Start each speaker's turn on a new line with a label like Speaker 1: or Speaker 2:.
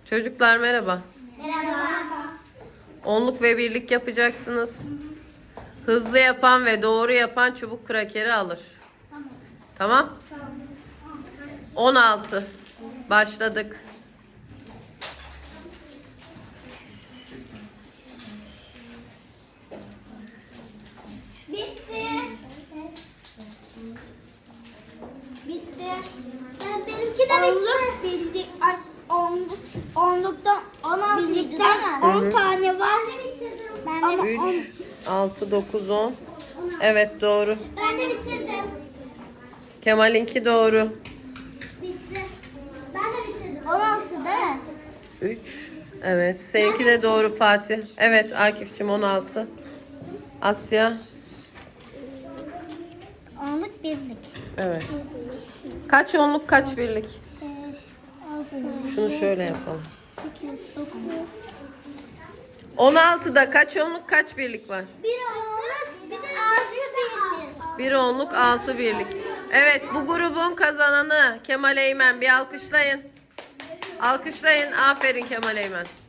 Speaker 1: Çocuklar merhaba.
Speaker 2: Merhaba.
Speaker 1: Onluk ve birlik yapacaksınız. Hızlı yapan ve doğru yapan çubuk krakeri alır. Tamam? 16. Başladık.
Speaker 2: Bitti. Bitti. Benimki de bitti. Bildik. Onluktan 16 birlikten 10 tane var. Ben de
Speaker 1: 3, 6, 9, 10. Evet doğru.
Speaker 2: Ben de bitirdim.
Speaker 1: Kemal'inki doğru.
Speaker 2: Bitti. Ben de bitirdim. 16 değil mi?
Speaker 1: 3. Evet. Seninki de doğru Fatih. Evet Akif'cim 16. Asya.
Speaker 2: Onluk birlik.
Speaker 1: Evet. Kaç onluk kaç birlik? Şunu şöyle yapalım. 16'da kaç onluk kaç birlik var?
Speaker 2: Bir onluk, bir de 6 birlik.
Speaker 1: Bir onluk 6 birlik. Evet bu grubun kazananı Kemal Eymen. Bir alkışlayın. Alkışlayın. Aferin Kemal Eymen.